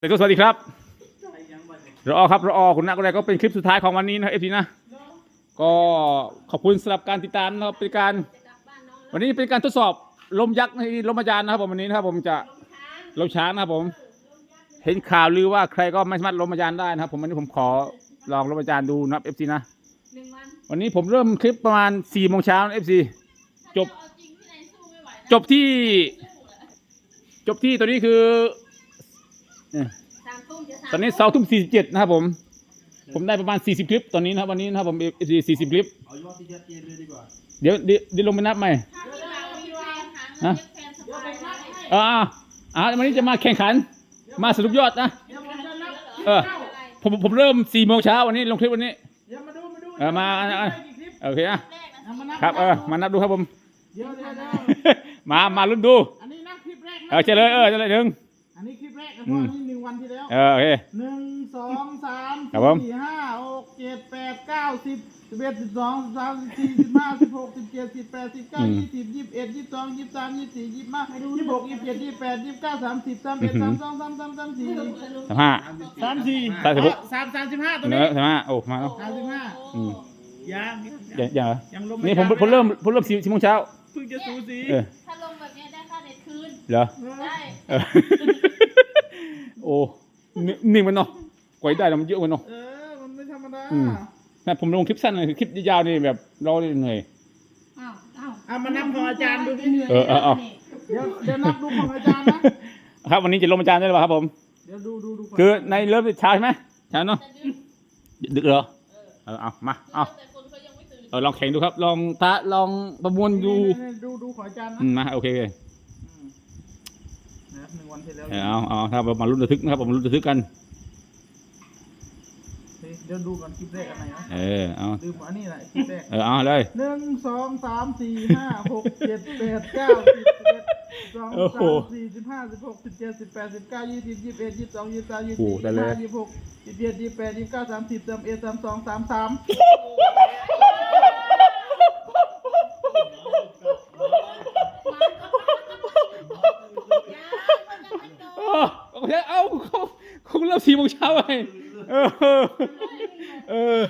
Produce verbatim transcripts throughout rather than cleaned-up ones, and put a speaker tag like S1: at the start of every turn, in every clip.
S1: แต่ก็สวัสดีครับรอครับรอคุณนักอะไรก็เป็นคลิปสุดท้ายของวันนี้นะเอฟซีนะก็ขอบคุณสำหรับการติดตามนะครับเป็นการวันนี้เป็นการทดสอบลมยักษ์ในลมอาจารย์นะครับผมวันนี้นะครับผมจะลมช้างนะครับผมเห็นข่าวลือว่าใครก็ไม่สามารถลมอาจารย์ได้นะครับผมวันนี้ผมขอลองลมอาจารย์ดูนะครับเอฟซีนะวันนี้ผมเริ่มคลิปประมาณสี่โมงเช้าเอฟซีจบจบที่จบที่ตัวนี้คือตอนนี้เสาทุ่มสี่สิบเจ็ดนะครับผมผมได้ประมาณสี่สิบคลิปตอนนี้นะครับวันนี้นะครับผมสี่สิบคลิปเดี๋ยวเดี๋ยวลงไปนับใหม่นะอ่าอ่าวันนี้จะมาแข่งขันมาสรุปยอดนะเออผมผมเริ่มสี่โมงเช้าวันนี้ลงคลิปวันนี้เออมาโอเคนะครับเออมานับดูครับผมมามาลุ้นดูเออเฉลยเออเฉลยหนึ่ง
S2: อันนี้คลิปแรกนะเพราะอันนี้หนึ่งวันที่แล้ว
S1: เออโอเค
S2: หนึ่งสองสาม
S1: ครับผม
S2: สี่ห้าหกเจ็ดแปดเก้าสิบสิบเอ็ดสิบสองสิบสามสิบสี่สิบห้าสิบหกสิบเจ็ดสิบแปดสิบเก้ายี่สิบยี่สิบเอ็ดยี่สิบสองยี่สิบสามยี่สิบสี่ยี่สิบห้ายี่สิบหกยี่สิบเจ็ดยี่สิบแปดยี่สิบเก้าสามสิบสามเอ็ดสามสองสามสามสามสี่
S1: สามห้า
S2: สามสี่
S1: สามสิบหก
S2: สามสามสิบห้าตัว
S1: เน
S2: นี้
S1: อะสามห้าโอ้มาแล้ว
S2: สามสิบห้า
S1: อืม
S2: ยัง
S1: อย่างอย่างเหรอ
S2: ยังลง
S1: นี่ผมผมเริ่มผมเริ่มสี่โมงเช้า
S2: เพิ่งจะสูสี
S1: เออ
S3: ถ้าลงแบบนี้ได้ค่าเน็ตคืน
S1: เหรอ
S3: ได้
S1: เออโอ้นิ่งมันเนาะกว่าจะได้แล้วมันเยอะมันเนาะ
S2: เออมันไม่ธรรมดา
S1: อืม แม่ผมลงคลิปสั้นเลยคลิปยาวๆนี่แบบเราเหนื่อย
S3: อ้าวอ้าว
S2: เอามานับของอาจารย์ดูที่
S1: เออเออเอา
S2: เดี๋ยวเดี๋ยวนับดูของอาจารย์นะครับ
S1: วันนี้จะลงอาจารย์ได้หรือเปล่าครับผม
S2: เดี๋ยวดูดูดูก่น
S1: คือในเริ่มเช้าใช่ไหมเช้าเนาะดึกเหรอเออเอามาเอา
S3: แต่คนเขายังไม่ตื่น
S1: เออลองแข่งดูครับลองท้าลองประมวลดู
S2: นี่ๆดูดูของอาจารย์นะ
S1: อืมมาโอเคโอเค
S2: อืมนะครับหนึ่งวันที่แล้ว
S1: เออเอาเอาถ้ามาลุ้นระทึกนะครับผมลุ้นระทึกกัน
S2: เดี๋ยวดูก่อนคลิปแรกอันไหนนะ
S1: เออเอา
S2: ลืมอันนี้แหละคลิปแรก
S1: เออเอาเลย
S2: หนึ่งสองสามสี่ห้าหกเจ็ดแปดเก้าสิบสิบเอ็ดสองสามสี่สิบห้าสิบหกสิบเจ็ดสิบแปดสิบเก้ายี่สิบยี่สิบเอ็ดยี่สิบสองยี่สิบสามยี่สิบสี่ยี่สิบห้ายี่สิบหกยี่สิบเจ็ดยี่สิบแปดยี่สิบเก้าสามสิบสามเอ็ดสามสองสามสาม
S1: เออโอเคเอาเขาเขาเริ่มสี่โมงเช้าไปเออเออ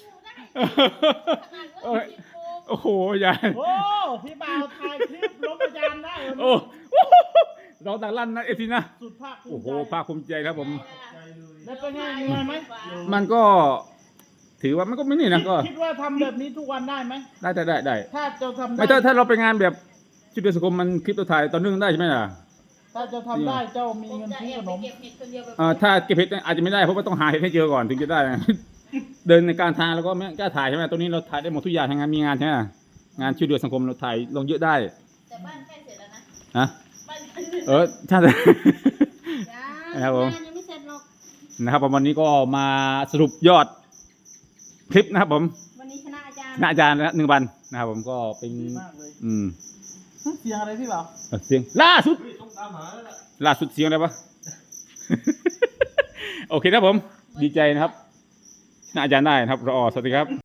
S1: เออโอ้โหยาย
S2: โอ้พี่บ่าวถ่ายคลิปลบอาจารย์ได้เหร
S1: โอ้
S2: อ
S1: เราต่างลั่นนะเอฟซีนะ
S2: สุดภาคภู
S1: โอ้
S2: มิ
S1: โห
S2: ใจ
S1: ภาคภูมิใจครับผม
S2: แล้วเป็นไงเหนื่อยไหม
S1: มันก็ถือว่ามันก็ไม่นี่นะก็
S2: คิดว่าทำแบบนี้ทุกวันได้ไหม
S1: ได้ได้ได้ได้
S2: ถ้าจะทำได้
S1: ไม่ถ้าถ้าเราไปงานแบบชุดเดือนสังคมมันคลิปตัวถ่ายตอนนึงได้ใช่ไหมล่ะ
S2: ถ้าจะทำได้เจ้ามีเงิน
S3: จะ
S2: ซื้อ
S3: แอ
S2: ข
S3: บ
S2: น
S3: ไป
S2: ม
S3: เก็บเห็ดคนเดียวแบบ
S1: อ่าถ้าเก็บเห็ดอาจจะไม่ได้เพราะว่าต้องหาเห็ดให้เจอก่อนถึงจะได้นะ เดินในการทางแล้วก็ไม่กล้าถ่ายใช่ไหมตัวนี้เราถ่ายได้หมดทุกอย่างทางงานมีงานใช่ไหมงานช่วยเหลือสังคมเราถ่ายลงเยอะได้
S3: แต่บ้านใกล้เสร็จแล้วนะ
S1: นะ
S3: บ้านใกล้เสร็จ
S1: เออใช่เลย
S3: ยัง
S1: ครับผม
S3: งานยังไม่เสร็จหรอก
S1: นะครับผมวันนี้ก็มาสรุปยอดคลิปนะครับผม
S3: วันนี้ชนะอาจารย์
S1: ชนะอาจารย์นะหนึ่งวันนะครับผมก็เป็น
S2: ดีมากเลย
S1: อืม
S2: เสียงอะไรพี่บ่าว
S1: เออเสียงล่าสุดล่าสุดเสียงอะไรปะ โอเคครับผมดีใจนะครับชนะอาจารย์ได้นะครับรอสวัสดีครับ